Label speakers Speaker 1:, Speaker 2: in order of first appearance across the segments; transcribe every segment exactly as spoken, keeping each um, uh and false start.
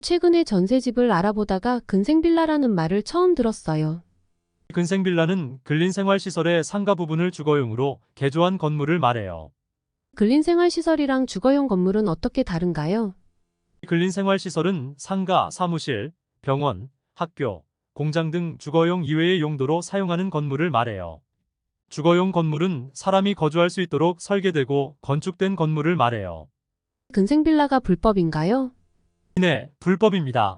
Speaker 1: 최근에 전세집을 알아보다가 근생빌라라는 말을 처음 들었어요.
Speaker 2: 근생빌라는 근린생활시설의 상가 부분을 주거용으로 개조한 건물을 말해요.
Speaker 1: 근린생활시설이랑 주거용 건물은 어떻게 다른가요?
Speaker 2: 근린생활시설은 상가, 사무실, 병원, 학교, 공장 등 주거용 이외의 용도로 사용하는 건물을 말해요. 주거용 건물은 사람이 거주할 수 있도록 설계되고 건축된 건물을 말해요.
Speaker 1: 근생빌라가 불법인가요?
Speaker 2: 네, 불법입니다.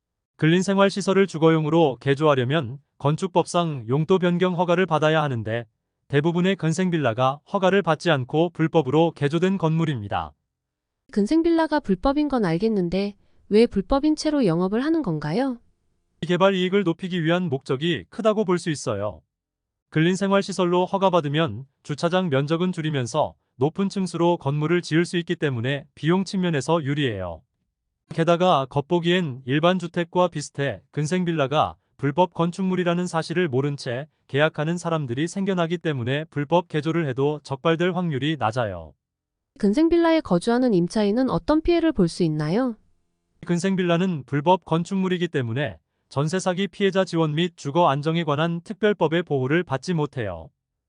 Speaker 2: 근린생활시설을 주거용으로 개조하려면 건축법상 용도 변경 허가를 받아야 하는데 대부분의 근생빌라가 허가를 받지 않고 불법으로 개조된 건물입니다.
Speaker 1: 근생빌라가 불법인 건 알겠는데 왜 불법인 채로 영업을 하는 건가요?
Speaker 2: 개발 이익을 높이기 위한 목적이 크다고 볼 수 있어요. 근린생활시설로 허가받으면 주차장 면적은 줄이면서 높은 층수로 건물을 지을 수 있기 때문에 비용 측면에서 유리해요. 게다가 겉보기엔 일반 주택과 비슷해 근생빌라가 불법 건축물이라는 사실을 모른 채 계약하는 사람들이 생겨나기 때문에 불법 개조를 해도 적발될 확률이 낮아요.
Speaker 1: 근생빌라에 거주하는 임차인은 어떤 피해를 볼 수 있나요?
Speaker 2: 근생빌라는 불법 건축물이기 때문에 전세 사기 피해자 지원 및 주거 안정에 관한 특별법의 보호를 받지 못해요.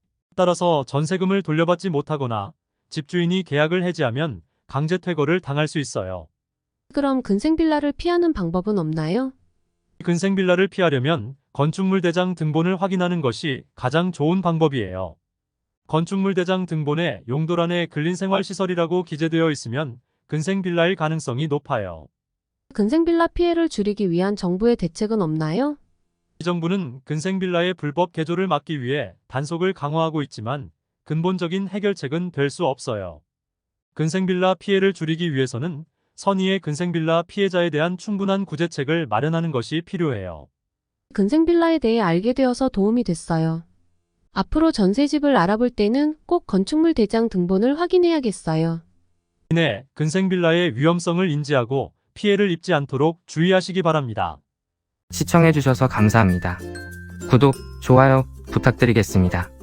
Speaker 2: 따라서 전세금을 돌려받지 못하거나 집주인이 계약을 해지하면 강제 퇴거를 당할 수 있어요.
Speaker 1: 그럼 근생빌라를 피하는 방법은 없나요?
Speaker 2: 근생빌라를 피하려면 건축물 대장 등본을 확인하는 것이 가장 좋은 방법이에요. 건축물 대장 등본에 용도란에 근린생활시설이라고 기재되어 있으면 근생빌라일 가능성이 높아요.
Speaker 1: 근생빌라 피해를 줄이기 위한 정부의 대책은 없나요?
Speaker 2: 이 정부는 근생빌라의 불법 개조를 막기 위해 단속을 강화하고 있지만 근본적인 해결책은 될 수 없어요. 근생빌라 피해를 줄이기 위해서는 선의의 근생빌라 피해자에 대한 충분한 구제책을 마련하는 것이 필요해요.
Speaker 1: 근생빌라에 대해 알게 되어서 도움이 됐어요. 앞으로 전세집을 알아볼 때는 꼭 건축물 대장 등본을 확인해야겠어요.
Speaker 2: 이내 근생빌라의 위험성을 인지하고 피해를 입지 않도록 주의하시기 바랍니다.
Speaker 3: 시청해주셔서 감사합니다. 구독, 좋아요 부탁드리겠습니다.